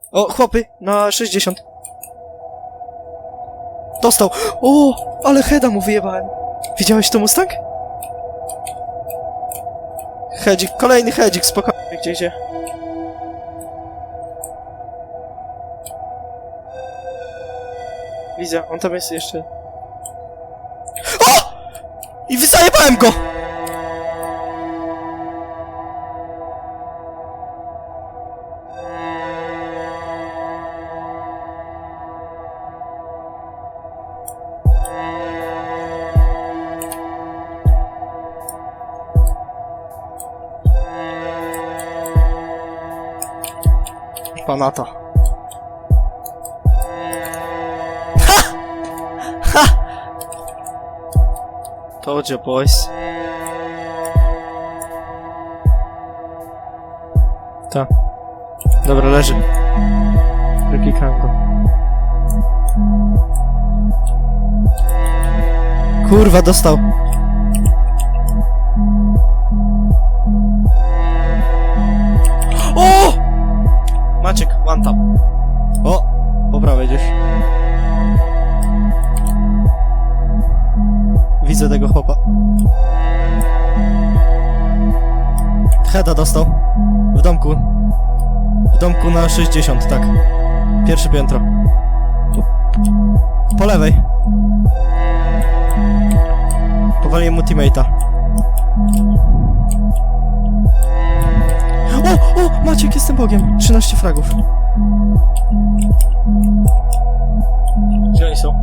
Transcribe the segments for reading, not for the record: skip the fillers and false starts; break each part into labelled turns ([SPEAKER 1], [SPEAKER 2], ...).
[SPEAKER 1] O, chłopy, na 60. Dostał! O, ale heada mu wyjebałem. Widziałeś to, Mustang? Hedzik, kolejny hedzik, spokojnie. Gdzie idzie? Widzę, on tam jest jeszcze. O! I zajebałem go! Panata. Ha! Ha! Told you, boys. Ta. Dobra, leży. Wyklikałem go. Kurwa, dostał. O! Maciek, one tap. O! Po prawej gdzieś. Widzę tego chłopa. Heada dostał. W domku. W domku na 60, tak. Pierwsze piętro. Po lewej. Powaliłem mu teammate'a. O! Maciek, jestem Bogiem. 13 fragów. Gdzie oni są?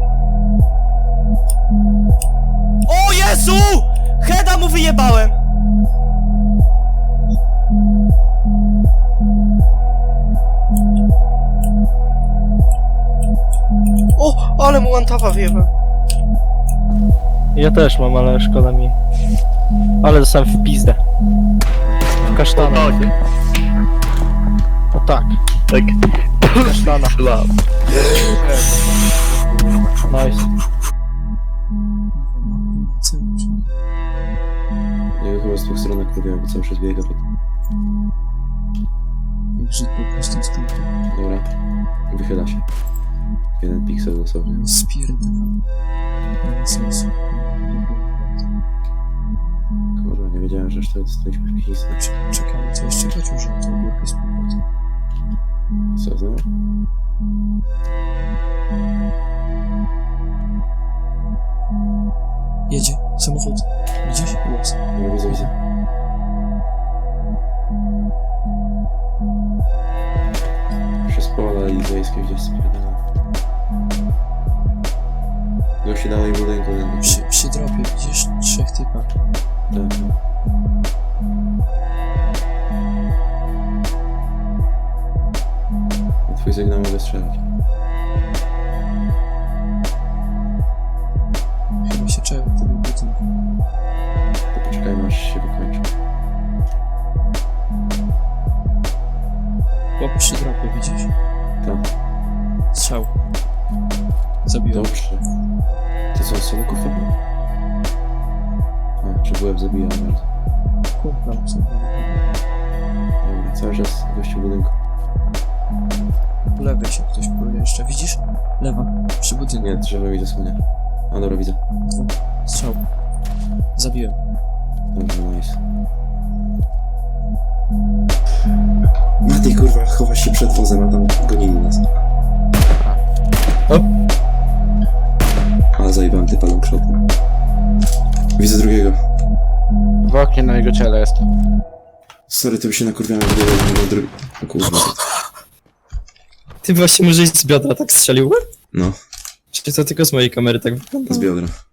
[SPEAKER 1] O Jezu! Heada mu wyjebałem! O! Ale mu one-tapa wyjebałem. Ja też mam, ale szkoda mi. Ale dostałem w pizdę. W kasztana. O tak.
[SPEAKER 2] Tak.
[SPEAKER 1] Kasztana. Nice.
[SPEAKER 3] Ja chyba z dwóch stron próbuję, bo cały czas biega pod...
[SPEAKER 4] Jak po prostu stąd.
[SPEAKER 3] Dobra. Wychyla się. Jeden piksel dosłownie.
[SPEAKER 4] Spierdalam. Nie ma sensu.
[SPEAKER 3] Kurwa, nie wiedziałem, że jeszcze dostaliśmy piksel.
[SPEAKER 4] Czekamy, co jeszcze chodzi, że to górkę z powrotem.
[SPEAKER 3] Co znowu?
[SPEAKER 4] Jedzie, samochód. Widzisz? Głos.
[SPEAKER 3] No widzę, widzę. Przez pola i wiejskie gdzieś spierdala. Gości dalej budynku.
[SPEAKER 4] Przy dropie widzisz 3 typa.
[SPEAKER 3] Tak. Na twój sygnał mogę strzelać.
[SPEAKER 4] Chyba się czeka w tym budynku.
[SPEAKER 3] To poczekajmy, aż się wykończy.
[SPEAKER 4] Chłop przy dropie, widzisz?
[SPEAKER 3] Tak.
[SPEAKER 4] Strzał. Zabiłem.
[SPEAKER 3] Dobrze. To co, są kufa? A, czy byłem zabijał bardzo.
[SPEAKER 4] Kumpla sobie.
[SPEAKER 3] Dobra, cały czas gościu w budynku.
[SPEAKER 4] Po lewej się ktoś próbuje jeszcze. Widzisz? Lewa. Przy budynku.
[SPEAKER 3] Nie, drzewo mi zasłania. A dobra, widzę.
[SPEAKER 4] Strzał. Zabiłem.
[SPEAKER 3] Dobrze, nice. Matej, kurwa, chowasz się przed wozem, a tam gonili nas.
[SPEAKER 1] O!
[SPEAKER 3] Ale zajebałem typa longshotem. Widzę drugiego.
[SPEAKER 2] W oknie na jego ciele jest.
[SPEAKER 3] Sorry, to by się nakurwiałem, że drugi... O kurwa.
[SPEAKER 1] Ty właśnie może z biodra tak strzelił?
[SPEAKER 3] No,
[SPEAKER 1] Czy to tylko z mojej kamery tak wygląda?
[SPEAKER 3] z biodra.